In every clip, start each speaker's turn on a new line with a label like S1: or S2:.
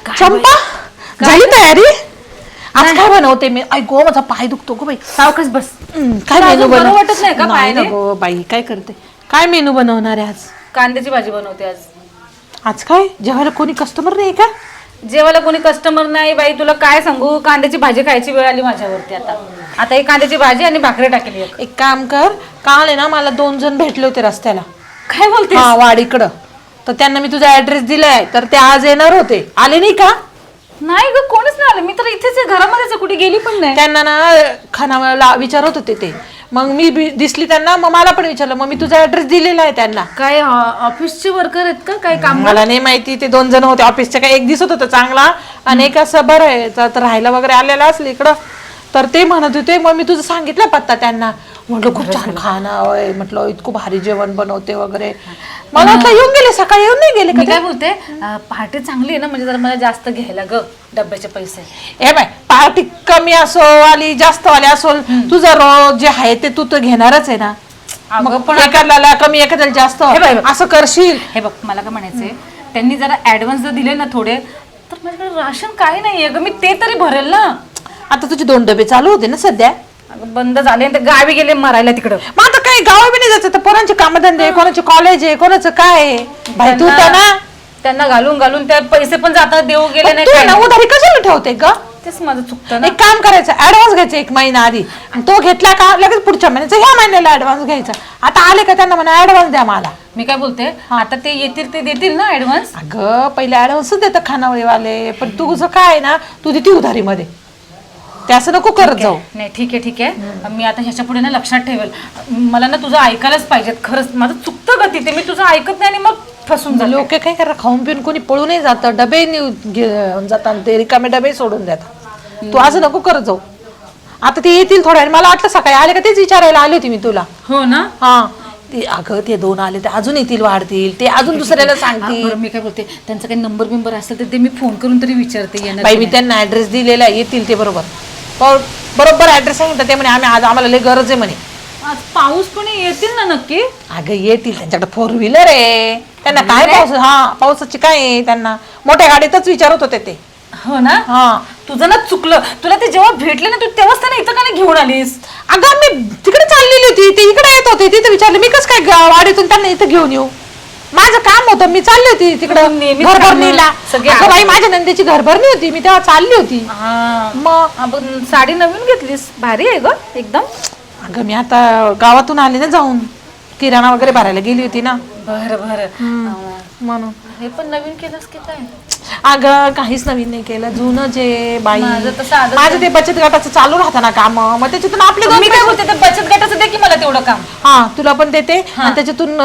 S1: चंपा झाली तयारी? आज काय बनवते मी? ऐको माझा पाय दुखतो गो बाई.
S2: सावकाश बस.
S1: काय मेनू
S2: बरं वाटत नाही का पायाने?
S1: गो बाई काय करते? काय मेनू बनवणार आहे आज?
S2: कांद्याची भाजी बनवते आज.
S1: आज काय जेवायला कोणी कस्टमर नाही का?
S2: जेवायला कोणी कस्टमर नाही बाई. तुला काय सांगू, कांद्याची भाजी खायची वेळ आली माझ्यावरती. आता ही कांद्याची भाजी आणि भाकरी टाकली.
S1: एक काम कर, काल आहे ना मला 2 जण भेटले होते रस्त्याला.
S2: काय बोलते?
S1: हा वाडीकडं. तर त्यांना मी तुझा ऍड्रेस दिलाय, तर ते आज येणार होते. आले नाही का?
S2: नाही ग, कोणीच नाही आलं. मी तर इथेच आहे, घरामध्येच, कुठे गेली पण नाही.
S1: त्यांना ना खानावळला विचारत होते ते. मग मी दिसली त्यांना, मग मला पण विचारलं. मग मी तुझा ऍड्रेस दिलेला आहे त्यांना.
S2: काय ऑफिसचे वर्कर आहेत का? काय काम?
S1: मला नाही माहिती. ते 2 जण होते ऑफिसचे. काय एक दिसत होता चांगला आणि एक असं बरं आहे तर राहायला वगैरे आलेला असलं इकडं. तर ते म्हणत होते. मग मी तुझं सांगितलं पत्ता त्यांना. म्हटलं खूप छान खाणं आहे, म्हटलं इतकं भारी जेवण बनवते वगैरे. मला वाटलं येऊन गेले, सकाळी येऊन नाही गेले
S2: मी काय बोलते, पार्टी चांगली आहे ना, म्हणजे जरा मला जास्त घ्यायला ग डब्याचे पैसे.
S1: ए बाय, पार्टी कमी असो वाली जास्त वाली असो, तुझं रोज जे आहे ते तू तर घेणारच आहे ना.
S2: अगं पण
S1: एखाद्याला कमी एखाद्याला जास्त असं करशील.
S2: हे बघ, मला काय म्हणायचंय, त्यांनी जरा ऍडव्हान्स जर दिले ना थोडे, तर माझ्याकडे राशन काही नाहीये ग, मी ते तरी भरेल ना.
S1: आता तुझे 2 डबे चालू होते ना सध्या?
S2: बंद झाले, गावी गेले मरायला तिकडं.
S1: मग आता काही गावा बी नाही जायचं, तर पोरांचे कामधंदे, कोणाचे कॉलेज आहे, कोणाचं काय आहे. भाई तू तर ना
S2: त्यांना घालून घालून त्या पैसे पण जातात, देऊ गेले नाही.
S1: तू ना उधारी कशाला ठेवते ग?
S2: तेच माझं चुकतं ना.
S1: एक काम करायचं, ऍडव्हान्स घ्यायचा 1 महिना आधी. तो घेतला का लगेच पुढच्या महिन्याचा ह्या महिन्याला ऍडव्हान्स घ्यायचा. आता आले का त्यांना म्हणा ऍडव्हान्स द्या मला.
S2: मी काय बोलते, आता ते येतील ते देतील ना ऍडव्हान्स?
S1: अगं पहिले ऍडव्हान्सच देतात खानावळीवाले, पण तुझं काय आहे ना, तू देते उधारीमध्ये. ते असं नको करत जाऊ.
S2: नाही ठीक आहे ठीक आहे, मी आता ह्याच्या पुढे ना लक्षात ठेवेल. मला ना तुझं ऐकायलाच पाहिजेत, खरंच माझं चुकतं ग तिथे, मी तुझं ऐकत नाही आणि मग फसून जाते.
S1: लोक काय करा, खाऊन पिऊन कोणी पळून नाही जात, डबे घेऊन जातात, ते रिकामे डबे सोडून देतात. तू असं नको करत जाऊ. आता ते येतील थोड्या वेळ. मला वाटलं सकाळी आले का तेच विचारायला आली होती मी तुला.
S2: हो ना?
S1: हा ते अगं ते 2 आले, ते अजून येतील, वाढतील, ते अजून दुसऱ्याला सांगतील.
S2: मी काय बोलते, त्यांचा काही नंबर बिंबर असेल तर ते मी फोन करून तरी विचारते.
S1: बाई मी त्यांना ऍड्रेस दिलेला, येतील ते बरोबर. बरोबर ऍड्रेस सांगितलं ते म्हणे आम्हाला लय गरज आहे म्हणे.
S2: आज पाऊस पण येतील ना नक्की?
S1: अगं येतील, त्यांच्याकडे 4 व्हीलर आहे. त्यांना काय पावसाची काय आहे त्यांना. मोठ्या गाडीतच विचारत होते ते.
S2: हो ना?
S1: हा
S2: तुझं ना चुकलं. तुला ते जेव्हा भेटले ना, तू तेव्हाच त्यांना इथं का घेऊन आलीस?
S1: अगं मी तिकडे चाललेली होती, ते इकडे येत होते, तिथे विचारलं मी कसं काय वाडीतून त्यांना इथं घेऊन येऊ. माझं काम होतं, मी चालली होती तिकडं घरभरणीला. अगं बाई माझ्या नंदेची घरभरणी होती, मी तेव्हा चालली होती.
S2: मग साडी नवीन घेतलीस, भारी आहे ग एकदम.
S1: अगं मी आता गावातून आली ना जाऊन, किराणा वगैरे भरायला गेली होती ना.
S2: बरं
S1: म्हणून
S2: हे पण नवीन केलंस की काय?
S1: अगं काहीच नवीन नाही केलं, जुनं जे बाई.
S2: माझं
S1: माझं ते बचत गटाचं चालू राहतं ना काम, मग त्याच्यातून आपले
S2: मी काय बोलते, ते बचत गटाचं दे की मला तेवढं काम.
S1: हा तुला पण देते आणि त्याच्यातून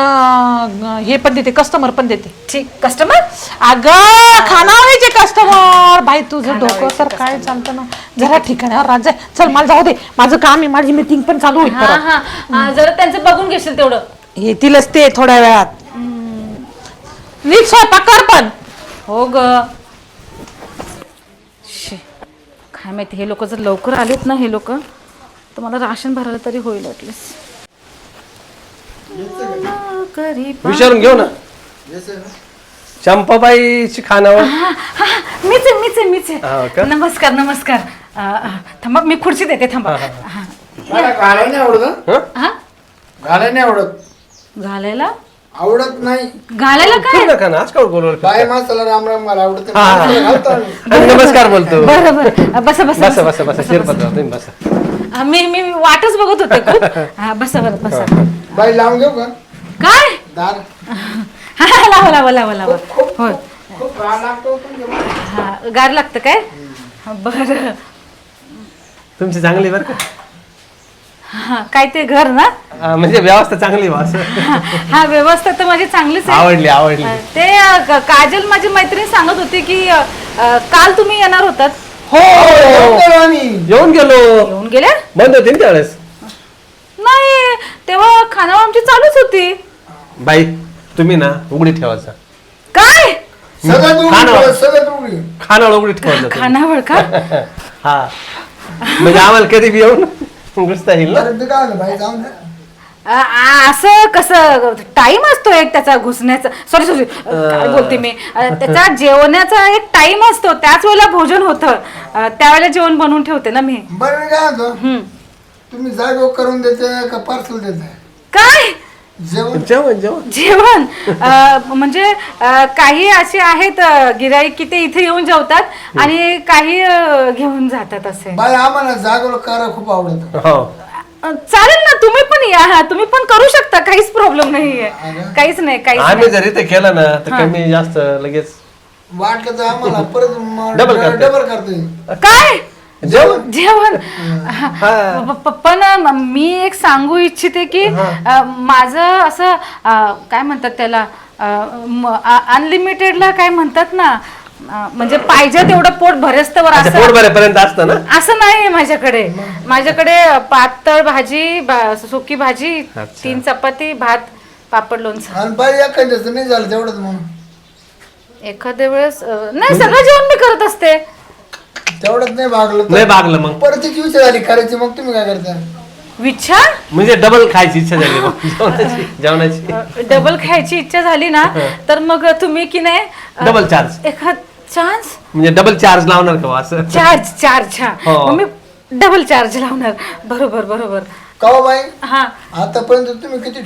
S1: हे पण देते, कस्टमर पण देते.
S2: ठीक. कस्टमर?
S1: अगं खानावळीचे कस्टमर. बाई तुझं डोकं तर काय चालतं ना, जरा ठिकाणावर राहत जाय. चल मला जाऊ दे, माझं काम आहे, माझी मीटिंग पण चालू होईल.
S2: जरा त्यांचं बघून घेशील तेवढं.
S1: येतीलच ते थोड्या वेळात. नीट स्वयंपाक कर पण.
S2: हो ग. काय माहिती, हे लोक जर लवकर आलेत ना, हे लोक, तर मला राशन भरायला तरी होईल ऍटलीस्ट.
S3: विचारून घेऊ ना चंपाबाईची खानावळ.
S2: मीच आहे. नमस्कार. थांबा, मी खुर्ची देते, थांबा.
S4: मला घालायला नाही आवडत. घालायला नाही आवडत.
S2: घालायला
S4: आवडत नाही.
S2: घालायला काय?
S3: नका ना, आज काय बोलवलं?
S4: बाय माणसाला राम राम मला आवडत.
S3: नमस्कार बोलतो.
S2: बरं बसा.
S3: बसा शिरपतराव, तुम्ही बसा.
S2: मी वाटच बघत होते खूप. बसा बरं, बसा.
S4: बाई लावून घेऊ का
S2: काय?
S4: दार?
S2: लावा. होय.
S4: खूप गार लागतो.
S2: गार लागतं काय? बरं.
S3: तुमची चांगली बरं का?
S2: काय ते घर ना?
S3: म्हणजे व्यवस्था चांगली बस.
S2: हा व्यवस्था तर माझी चांगलीच आहे.
S3: आवडली.
S2: ते काजल माझी मैत्रीण सांगत होती की काल तुम्ही येणार होतात.
S3: हो येऊन
S2: गेल्या?
S3: बंद होती ना त्यावेळेस.
S2: नाही, तेव्हा खानावळ आमची चालूच होती.
S3: बाई तुम्ही ना उघडी ठेवायचा.
S2: काय?
S3: खानावळ उघडी ठेवायचं.
S2: खानावळ का?
S3: हा म्हणजे आम्हाला कधी बी येऊन घुसता येईल ना.
S4: बाई जाऊन
S2: असं कसं टाइम असतो एक त्याचा घुसण्याचा, सॉरी काय बोलते मी, त्याचा जेवणाचा एक टाइम असतो, त्याच वेळेला भोजन होतं, त्यावेळेला जेवण बनवून ठेवते ना मी.
S4: बरं मी काय म्हणतो, तुम्ही जागो करून देते का पार्सल देते?
S2: काय
S4: जेवण
S3: जेवण
S2: जेवण म्हणजे काही असे आहेत गिराईक की ते इथे येऊन जेवतात आणि काही घेऊन जातात असे.
S4: बाई आम्हाला जागो करायला खूप आवडत.
S3: हो
S2: चालेल ना, तुम्ही पण या, तुम्ही पण करू शकता, काहीच प्रॉब्लेम नाहीये, काहीच नाही, काहीच
S3: आम्ही
S2: नाही.
S3: जरी ते केलं ना तर कमी जास्त लगेच
S4: वाटलं तर आम्हाला परत
S3: Double करते.
S4: डबल करते.
S2: काय
S3: जेवण
S2: जेवण पण मी एक सांगू इच्छिते की माझं असं काय म्हणतात त्याला, अनलिमिटेडला काय म्हणतात ना, म्हणजे पाहिजे तेवढं पोट भरेस्तवर
S3: अच्छा, पोट
S2: असं
S3: भरेपर्यंत असतं ना.
S2: असं नाही माझ्याकडे पातळ भाजी, सुकी भाजी,
S3: अच्छा.
S2: 3 चपाती, भात, पापड, लोणचं.
S4: आणि बाई एखाद्याचं नाही झालं तेवढंच म्हणून
S2: एखाद्या वेळेस नाही, सगळं जेवण मी करत असते.
S4: तेवढंच नाही भागलं तर
S3: नाही भागलं मग
S4: परत तिची विचार झाली करायची, मग तुम्ही काय करता?
S2: विचार
S3: म्हणजे डबल खायची इच्छा झाली मग जेवणाची
S2: डबल खायची इच्छा झाली ना तर मग तुम्ही की नाही
S3: डबल चार्ज
S2: एखाद चान्स
S3: म्हणजे डबल चार्ज लावणार का असं?
S2: चार्ज
S3: हो.
S2: मग मी डबल चार्ज लावणार. बरोबर
S4: का बाई
S2: हा.
S4: आतापर्यंत तुम्ही किती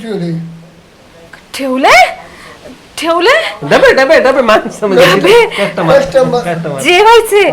S2: ठेवले
S3: डबे डबे डबे माणसं म्हणजे
S2: डबे?
S3: कस्टमर
S2: जेवायचे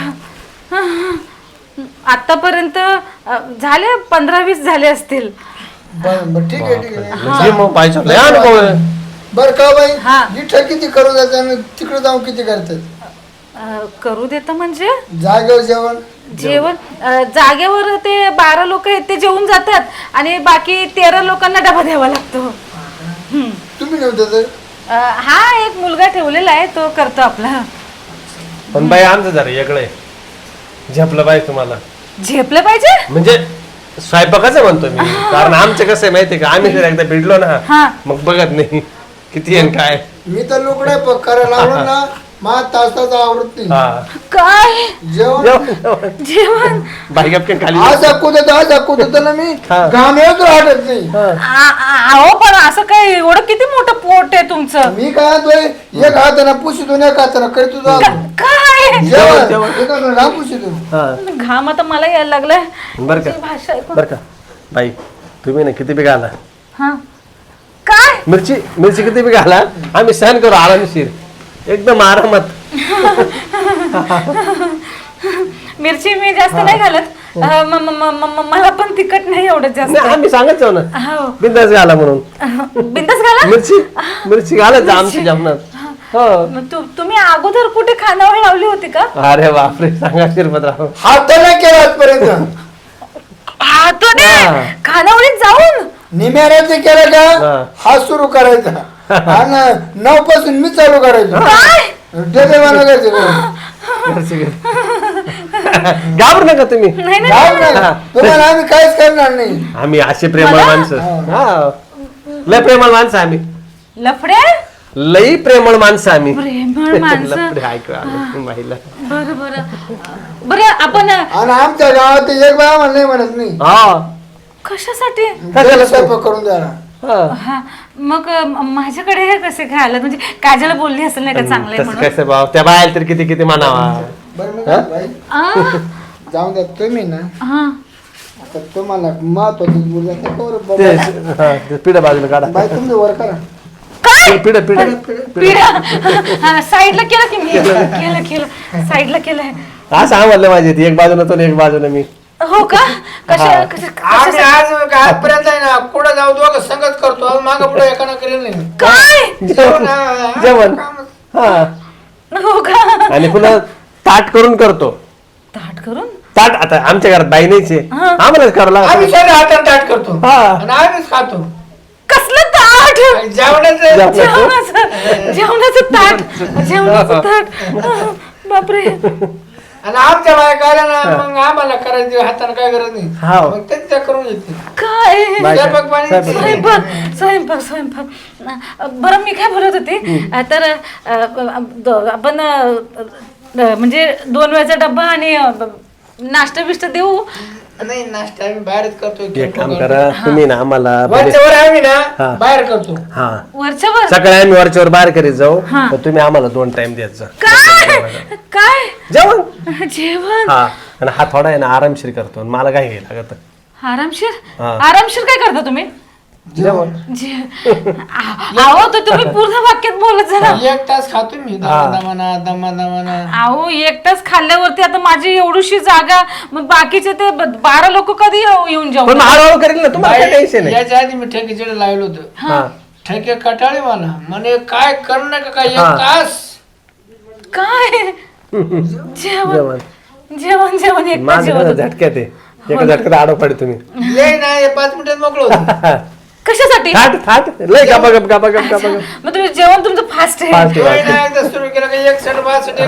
S2: आतापर्यंत झाले 15-20 झाले असतील.
S4: बरं ठीक आहे
S3: म्हणजे मग पाहिजे लय अनुभव आहे.
S4: बरं का बाई
S2: हा.
S4: इथं किती करून जायचं आणि तिकडे जाऊन किती करतात?
S2: करू देता म्हणजे
S4: जागेवर जेवण
S2: जागेवर ते 12 लोक आहेत ते जेवून जातात आणि बाकी 13 लोकांना डबा द्यावा लागतो.
S4: तुम्ही नव्हतं तर
S2: हा एक मुलगा ठेवलेला आहे, तो करतो आपला.
S3: पण बाई आमचं जरा वेगळं आहे. झेपलं बाई तुम्हाला
S2: झेपलं पाहिजे
S3: म्हणजे स्वयंपाकाचं म्हणतो मी, कारण आमचं कसं आहे माहितीये का, आम्ही जर एकदा भिडलो
S2: हा.
S3: ना मग बघत नाही किती आहे काय.
S4: मी तर लोकडे करायला लावलं ना मा तासाचा आवडत नाही.
S3: हा
S2: काय
S4: जेवण
S2: जेवण
S3: बाई गपकन खाली
S4: आज कुदत ना मी
S3: हा.
S4: घाम येतो वाटत नाही.
S2: अहो पण असं काय एवढं किती मोठं पोट आहे तुमचं?
S4: मी काय म्हणतोय, एक हाताने पुशितो एक हाताने करीत तुझा
S2: काय
S4: जेवण एक हाताने पुशितो.
S3: हा
S2: घाम आता मला यायला लागलाय.
S3: बरं का
S2: तुझी भाषा ऐकून.
S3: बरं का बाई, तुम्ही ना किती बी घाला
S2: हा काय
S3: मिरची किती बी घाला, आम्ही सहन करू आरामशीर एकदम आरामात.
S2: मिरची मी जास्त नाही घालत, मला पण तिखट नाही एवढं जास्त.
S3: नाही, आम्ही सांगत जाऊ ना
S2: हो.
S3: बिंदास घाला म्हणून.
S2: बिंदास घाला.
S3: मिरची घालायचं आमच्या जेवणात. हो
S2: मग तुम्ही अगोदर कुठे खानावळ लावली होती का?
S3: अरे बापरे, सांगा शिरपतराव.
S4: हात तर नाही केला आजपर्यंत.
S3: हा.
S2: खानावळीत जाऊन
S4: निम्याऱ्याचं केलं का
S3: हा.
S4: हा सुरू करायचा आणि 9 पासून मी चालू करायचो.
S2: काय
S4: डबे बनवायचे
S3: घाबरू नका तुम्ही.
S2: नाही नाही
S4: जाऊ नका. तुम्हाला आम्ही काहीच करणार नाही.
S3: आम्ही असे प्रेमळ माणसं. हा लय प्रेमळ माणसं आम्ही,
S2: लफडे
S3: लई प्रेमळ माणसं आम्ही.
S2: प्रेमळ माणसं.
S3: लफडे ऐकू आलं महिला.
S2: बरं आपण
S4: आणि आमच्या गावात एक बाय आम्हाला नाही म्हणत नाही.
S3: हा
S2: कशासाठी?
S4: घरी स्वयंपाक करून द्या.
S3: हा.
S2: हा मग माझ्याकडे हे कसे खायला, म्हणजे काजल बोलली असेल नाही का चांगलंय
S3: तसं
S2: म्हणून.
S3: कसं भाव, त्या बाहेर तर किती किती म्हणावा.
S4: बरं मी काय बाई, जाऊन द्या तुम्ही ना.
S2: हा
S4: आता तुम्हाला महत्वाची बोलू
S3: ते हा, ते पिढं बाजूला काढा.
S4: बाई तुम्ही वर करा.
S2: काय
S3: पिढं पिढं
S2: पिढा साईडला केलं की मी केलं साईडला केलंय.
S3: असं आम्हाला माझी एक बाजूला तो एक बाजूला मी.
S2: हो का?
S4: आम्ही आज आजपर्यंत आहे ना कुठं जाऊ दोघं संगत करतो, माग पुढे एकानं करेल नाही.
S2: काय
S3: जेवण हा.
S2: हो का?
S3: आणि पुन्हा ताट करून करतो.
S2: ताट करून
S3: ताट आता आमच्या घरात बाई नाहीच आहे, आम्हालाच करावं
S4: आम्ही
S3: लागतं.
S4: सगळे हातात ताट करतो
S3: हा.
S4: आणि आम्हीच खातो.
S2: कसलं ताट?
S4: जेवणाचं
S2: जेवणाचं ताट. बापरे.
S4: आणि आमच्या बायका आल्या ना मग आम्हाला करायची हाताने काय गरज नाही.
S3: हा.
S4: मग तेच त्या करून येते.
S2: काय
S4: स्वयंपाक पाणी
S2: स्वयंपाक. बरं मी काय बोलत होते, तर आपण म्हणजे 2 वेळचा डब्बा आणि नाश्ता बिष्टा देऊ.
S4: नाही नाश्ता आम्ही बाहेरच करतो
S3: एक काम करा तुम्ही ना आम्हाला
S4: वरच्यावर आम्ही
S3: हा.
S4: ना बाहेर करतो.
S3: हा
S2: वरच्यावर
S3: सकाळी आम्ही वरच्यावर बाहेर करीत जाऊ तर तुम्ही आम्हाला 2 टाइम द्यायचं
S2: काय काय
S3: जेवण.
S2: जेवण
S3: हा आणि हा थोडा आहे ना आरामशीर करतो आणि मला काय घ्यायला लागत
S2: आरामशीर
S3: हा.
S2: आरामशीर काय करता तुम्ही
S3: जेवण.
S2: अहो तर तुम्ही पूर्ण वाक्यात बोलत जा ना.
S4: 1 तास खातो मी दमा.
S2: अहो एकटाच खाल्ल्यावरती आता माझी एवढीशी जागा मग बाकीचे ते 12 लोक कधी येऊन जाऊ
S3: पण मग हळूहळू करेल ना तुम्हाला काय टेन्शन आहे.
S4: याच्या आधी मी ठेकेकडे लावलं होतं.
S3: हा
S4: ठेके कटाळे मला म्हणे काय करणं का काय 1
S3: हा.
S4: तास
S2: काय जेवण
S3: जेवण
S2: जेवण जेवण एकटा
S3: माझं
S2: जेवण
S3: कसं
S2: होतं.
S3: झटक्यात आहे एका झटक्यात आडो पडे तुम्ही
S4: लय नाही 5 मिनिटात मोकळं होतं.
S2: कशासाठी
S3: थाट थाट लय गप गप गप गप गप
S2: मग तुम्ही जेवण तुमचं फास्ट आहे
S3: फास्ट
S4: लय नाही एकदा सुरू केलं का 61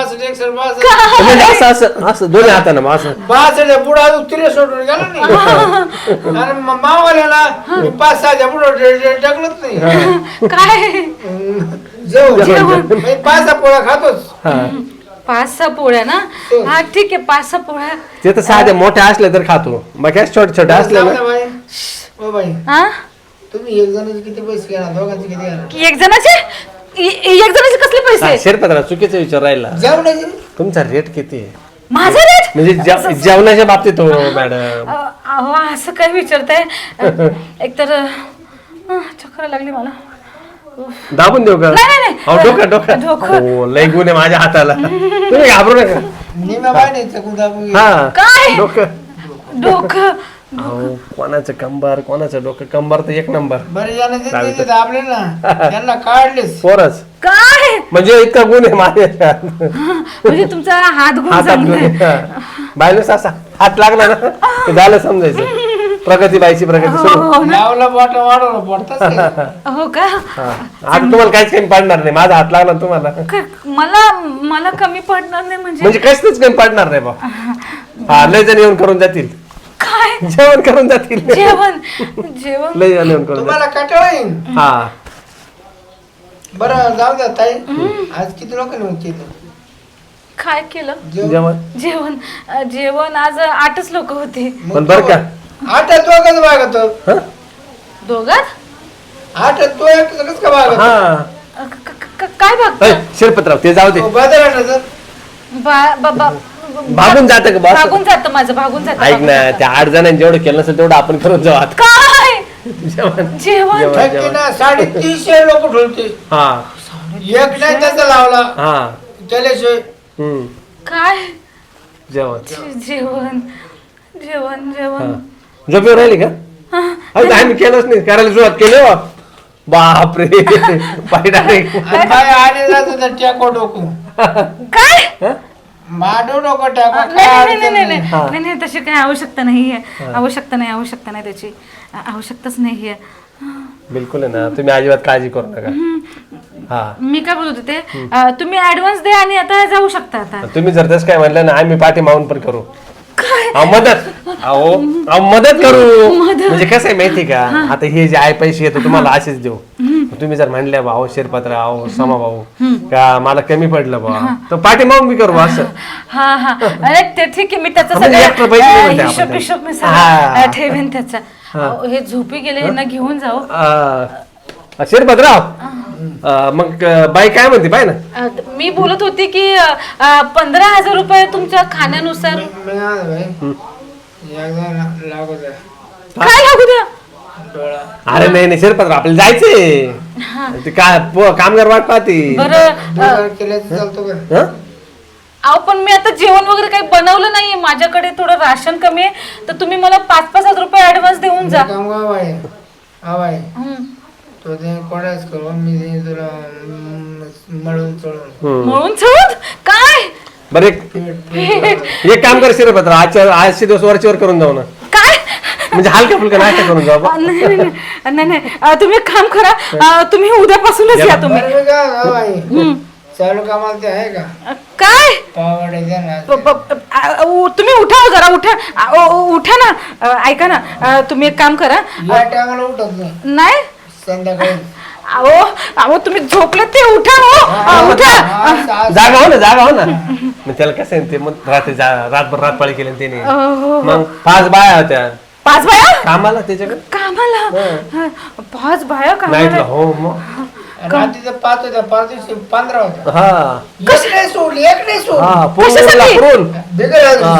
S3: म्हणजे असं असं असं दोन्ही हातानं मग असं
S4: 62 पुढे अजून तिरे सोडून गेला नाही आणि मावाल्याला 5-6 पुढे टाकलंच नाही.
S2: काय
S4: जेवण 5-6 पोळ्या खातोच.
S3: हा
S2: 5-6 पोळ्या ना हा ठीक आहे 5-6 पोळ्या
S3: ते तर साध्या मोठ्या असल्या तर खातो मग छोटे छोटे असले ना
S4: बाई ओ बाई
S2: हा
S4: तुम्ही एक जणांचे किती पैसे घेणार दोघांचे किती घेणार
S2: एक जणाचे कसले पैसे
S3: शेरपत्रा चुकीचा विचार राहिला
S4: जेवणाचे
S3: तुमचा रेट किती आहे
S2: माझा रेट
S3: म्हणजे जेवणाच्या बाबतीत हो मॅडम
S2: अहो असं काय विचारताय एकतर चक्कर लागली मला
S3: दाबून देऊ का
S2: नाही, नाही.
S3: अहो डोकं डोकं
S2: डोकं.
S3: हो लय गुण आहे माझ्या हाताला तुम्ही घाबरू नका
S4: निम्या बाय नाही चकून दाबून
S3: हा
S2: काय
S3: डोकं
S2: डोकं
S3: अहो कोणाचं कंबर कोणाचं डोकं कंबर तर 1 नंबर
S4: बरे जण दाबले ना त्यांना काढलेच.
S3: पोरच
S2: काय
S3: म्हणजे इतका गुण आहे माझ्या
S2: म्हणजे तुमचा हात गुण
S3: हातात गुण
S2: चांगला
S3: आहे. बायनूस असा हात लागला ना ते झालं समजायचं प्रगती बाईची प्रगती सुरू
S4: लावला बोट वाढवलं बोटताच
S2: हो का
S3: हा. आता तुम्हाला काहीच कमी पडणार नाही माझा हात लागला ना तुम्हाला
S2: मला कमी पडणार नाही
S3: म्हणजे कसलंच कमी पडणार नाही बा हा लय जण येऊन करून जातील
S2: काय
S3: जेवण करून जातील
S2: जेवण जेवण
S3: लय जण येऊन करून
S4: तुम्हाला कटाळा येईल.
S3: जातील हा
S4: बरं जाऊ द्या ताई आज किती लोकांनी होती
S2: काय केलं
S3: जेवण
S2: जेवण जेवण आज 8च लोक होते
S3: पण बर का
S4: 8 दोघांचं भागत
S3: हा?
S2: दोघात
S4: 8 तो एकच का भागत
S3: हा
S2: काय बघ
S3: ऐ, शिरपतराव ते जाऊ दे
S4: बदल
S3: भागून जात का बस
S2: भागून जात माझं भागून जात
S3: ऐक ना त्या 8 जणांनी जेवढं केलं नसेल तेवढं आपण करून जाऊ आता
S2: काय
S3: जेवण
S2: जेवण
S3: जेवण जेवण
S4: ना 350 लोक ठेवते
S3: हा
S4: एक नाही त्याचा लावला
S3: हा
S4: त्याल्याशिवाय
S3: हम्म
S2: काय
S3: जेवण
S2: जेवण जेवण जेवण
S3: झोपेवर राहिली का अरे आम्ही केलंच नाही करायला सुरुवात केली हो बापरे पाय डायरेक्ट
S4: आणि बाय आले जात होता टॅको डोको
S2: काय
S4: माडो डोको टॅको
S2: नाही
S4: काय
S2: नाही नाही
S4: अडचण
S2: नाही
S4: नाही.
S2: नाही नाही तशी काही आवश्यकता नाहीये आवश्यकता नाही त्याची आवश्यकताच नाहीये
S3: बिलकुल आहे ना तुम्ही अजिबात काळजी करू नका हा
S2: मी काय बोलत होते तुम्ही ऍडव्हान्स द्या आणि आता जाऊ शकता आता
S3: तुम्ही जर तसं काय म्हणलं ना आम्ही पाठी मागून पण करू
S2: काय
S3: अहो मदत करू म्हणजे कसं आहे माहिती का आता हे जे आहे पैसे येतो तुम्हाला असेच देऊ तुम्ही जर म्हणल्या भाऊ शिरपत्र आहो समा भाऊ का मला कमी पडलं बा तर पाठी मागून मी करू असं
S2: हा हा अरे ते ठीक आहे मी त्याचा
S3: म्हणजे extra पैसे नाही म्हणते
S2: हिशोब
S3: आपण
S2: हिशोब मी
S3: हा.
S2: सगळं ठेवेन त्याचा हे झोपी गेले यांना घेऊन जाऊ
S3: शिरपतराव मग बाई काय म्हणते पाय ना
S2: मी बोलत होती की 15,000 रुपये तुमच्या खाण्यानुसार
S4: मी आज भाई एकदा लागू द्या
S2: काय लागू द्या
S4: डोळा
S3: अरे नाही शिरपतराव आपल्याला जायचंय ते काय कामगार वाट पाहते
S2: बरं
S4: केल्याचं चालतो का
S3: हं?
S2: अहो पण मी आता जेवण वगैरे काही बनवलं नाहीये माझ्याकडे थोडं राशन कमी आहे तर तुम्ही मला 5,000 रुपये ऍडव्हान्स देऊन जा
S4: काम का बाई हा बाई
S2: हम्म.
S4: तो ते कोणाच करू मी ते तुला मळून चढून
S2: म्हणून चढ काय
S3: बरं एक काम कर शिरपतराव आजचे दिवस वरचीवर करून जाऊ ना
S2: काय
S3: म्हणजे हलका फुलका नाश्ता करून जाऊ बा.
S2: नाही तुम्ही एक काम करा तुम्ही उद्यापासूनच या तुम्ही
S4: बरं मी काय हा बाई चालू कामाला ते आहे का
S2: काय
S4: पावडे द्या ना
S2: तुम्ही उठा हो जरा उठा उठा ना ऐका ना तुम्ही एक काम करा
S4: या टायमाला उठत नाही
S2: नाही
S4: संध्याकाळी
S2: अहो तुम्ही झोपले ते उठा हो उठा
S3: जागा हो ना मग त्याला कसं आहे ते मग रातभर रातपाळी केली ना त्याने
S2: हो.
S3: मग 5 बाया होत्या
S2: 5 बाया
S3: कामाला त्याच्याकडे
S2: कामाला 5 बाया
S3: नाईटला.
S2: कामाला
S3: हो मग
S4: रात्रीचं 5 होत्या 5 दिवशी 15 होत्या
S3: हा
S4: एक नाही सोडली एक नाही सोडली
S3: हा पुरून
S4: बिगर
S3: हा.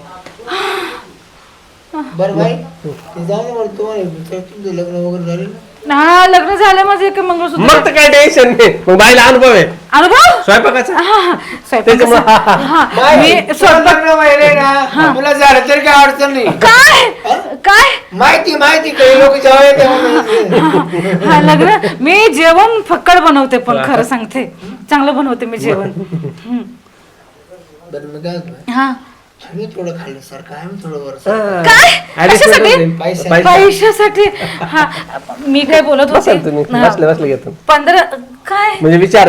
S4: बरं भाई ते जाऊ दे मला तुम्हाला तुमचं लग्न वगैरे झाले ना
S2: हा लग्न झालं माझं एक मंगळसूत्र
S3: मग तर काय टेन्शन नाही मग बाईला अनुभव आहे
S2: अनुभव
S3: स्वयंपाकाचा
S2: स्वयंपाकाचा. हा, मी स्वयंपाक
S4: लग्न वगैरे ना तुला झालं तरी काय अडचण नाही
S2: काय काय
S4: माहिती काही लोक जेव्हा येते
S2: हा लग्न मी जेवण फक्कड बनवते पण खरं सांगते चांगलं बनवते मी जेवण
S4: बरं मी काय म्हणतो,
S2: हा
S4: आम्ही थोडं खाल्लं सारखं आम्ही थोडं वर
S2: काय कशासाठी पैशासाठी हा मी काय बोलत होते
S3: तुम्ही
S2: हा,
S3: बसले घेतो
S2: 15 काय
S3: म्हणजे विचार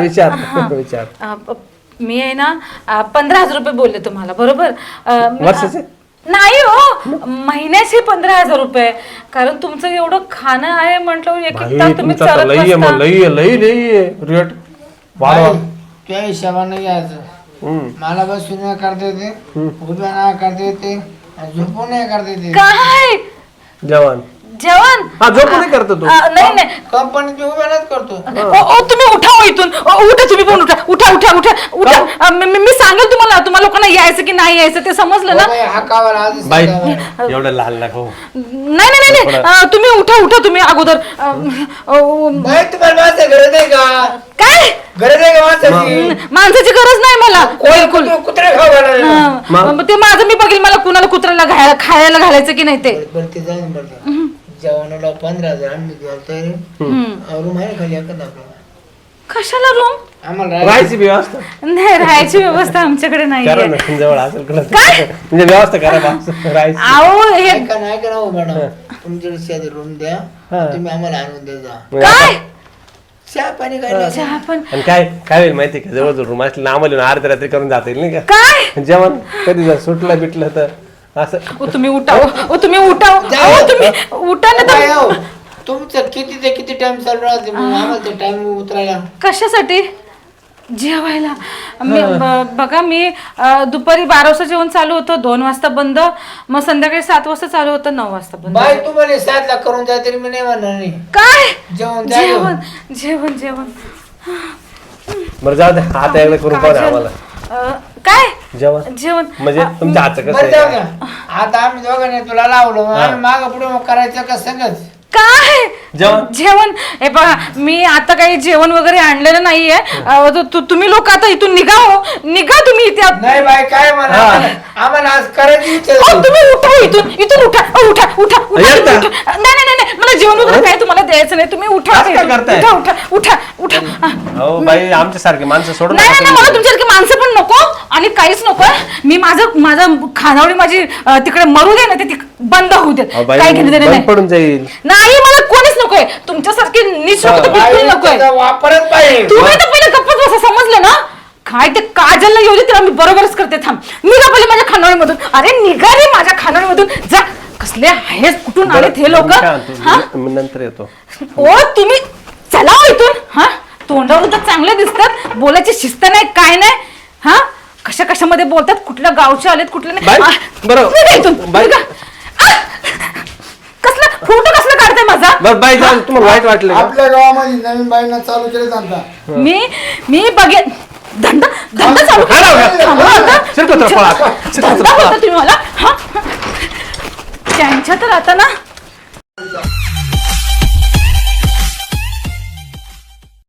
S2: मी आहे ना 15,000 रुपये बोलले तुम्हाला बरोबर
S3: वर्षाचे?
S2: नाही हो महिन्याचे 15,000 रुपये कारण तुमचं एवढं खाणं आहे म्हटलं एक एक तास तुम्ही चालत बसता.
S3: लई रेट वाढवा
S4: त्या हिशोबाने घ्यायचं मला बसून नाही करता येते उभ्या नाही करता येते आणि झोपून नाही करता येते
S2: काय
S3: जेवण
S2: जेवण
S3: हा झोपून नाही करतो तू
S2: नाही नाही
S4: कंपनीत उभ्या नाहीच करतो
S2: ओ तुम्ही उठा हो इथून उठा तुम्ही पण उठा उठा उठा उठा उठा मी सांगेल तुम्हाला लोकांना यायचं की नाही यायचं ते समजलं ना
S4: हा कावाला आधीच
S3: बाई
S4: सांगावं.
S3: एवढं लहान लाख हो
S2: नाही तुम्ही उठा तुम्ही अगोदर
S4: बाई तुम्हाला माझं गरज आहे का
S2: काय
S4: गरज आहे का माणसाची
S2: माणसाची गरज नाही मला बिलकुल
S4: कुत्रे खाऊ घालायला
S2: हा, ते माझं मी बघेल मला कुणाला कुत्र्याला खायला घालायचं की नाही ते
S4: बरं ते जाऊन बरं जेवणाला 15,000 आम्ही द्याल रूम आहे खाली एखादा आपल्याला
S2: कशाला रूम
S4: आम्हाला
S3: राहायची व्यवस्था
S2: नाही राहायची व्यवस्था आमच्याकडे नाही
S3: करा ना जवळ असेल कुठं म्हणजे व्यवस्था करा बा राहायची
S2: अहो हे
S4: ऐका ना हो मॅडम तुमच्याकडे शेजारी रूम द्या तुम्ही आम्हाला आणून द्या जा
S2: काय
S4: चहा पाणी काय
S2: चहा पण
S3: आणि काय होईल माहिती का जवळ रूम असली ना आम्हाला अर्ध्या रात्री करून जाता येईल नाही का
S2: काय
S3: जेवण कधी जर सुटलं बिटलं तर असं
S2: तुम्ही उठा तुम्ही उठा तुम्ही उठा ना
S4: काय हो तुमचं किती ते किती टाइम चालू राहते मग आम्हाला ते टाइम उतरायला
S2: कशासाठी जेवायला बघा मी दुपारी 12 वाजता जेवण चालू होतं 2 वाजता बंद मग संध्याकाळी 7 वाजता चालू होतं 9 वाजता बंद
S4: बाय तुम्हाला 7 लाख करून जा तरी मी नाही म्हणणार नाही
S2: काय
S4: जेवण
S2: जेवण जेवण जेवण
S3: बरं जाऊ दे आता एकदा करून पाहू ना आम्हाला
S2: काय
S3: जेवण
S2: जेवण
S3: म्हणजे तुमच्या हातचं कसं
S4: बरं जाऊ
S3: आहे
S4: द्या आता आम्ही दोघांनी तुला लावलो आम्ही माग पुढे मग करायचं का सगळंच
S2: काय
S3: जेवण?
S2: जेवण हे बघा मी आता काही जेवण वगैरे आणलेलं नाहीये तुम्ही लोक आता इथून निघा हो निघा तुम्ही इथे
S4: नाही बाय काय म्हणा आम्हाला आज करायची इच्छा
S2: अहो,
S4: झाली.
S2: तुम्ही उठा हो इथून उठा उठा उठा उठा
S3: येत
S2: तुम्ही
S3: का?
S2: उठा. नाही मला जेवण वगैरे काय तुम्हाला द्यायचं नाही तुम्ही उठा
S3: असं काय करताय?
S2: उठा उठा उठा उठा
S3: हो बाई आमच्या सारखे माणसं सोडून
S2: नाही
S3: नका
S2: नाही मला
S3: तुम्ही.
S2: तुमच्यासारखी माणसं पण नको आणि काहीच नको मी माझं खानावळी माझी तिकडे मरू दे ना ते बंद होऊ दे
S3: अहो बाई,
S2: काय घेणं देणं
S3: बंद
S2: नाही
S3: पडून जाईल
S2: नाही मला कोणीच नकोय तुमच्यासारखी निशोक तर बिलकुल नकोय
S4: त्याचा वापरच पाहिजे
S2: तुम्ही तर पहिले गप्पच बसा समजलं ना काय ते काजलला येऊ दे त्याला मी बरोबरच करते थांब निघा पहिले माझ्या खानावळीमधून अरे निघा रे माझ्या खानावळीमधून जा कसले आहेस कुठून आलेत हे लोक
S3: मी काय म्हणतो, मी नंतर येतो
S2: ओ तुम्ही चला हो इथून हा तोंडावरून तर चांगले दिसतात बोलायची शिस्त नाही काय नाही हा कशामध्ये बोलतात कुठल्या गावचे आलेत कुठले
S3: बाई, बरं.
S2: निघा इथून
S3: बाई.
S2: निघा. कसला फोटो कसला काढताय माझा
S3: बरं बाई जाऊ तुम्हाला वाईट वाटलं का?
S4: आपल्या गावामध्ये नवीन बाईंना चालू केले जातात
S2: मी बघेन धंदा चालू
S3: हा, हा, हा.
S2: थांबा आता.
S3: शिरपतराव पळा.
S2: धंदा
S3: शिरपतराव पळा.
S2: बोलता तुम्ही मला हा त्यांच्या तर आता ना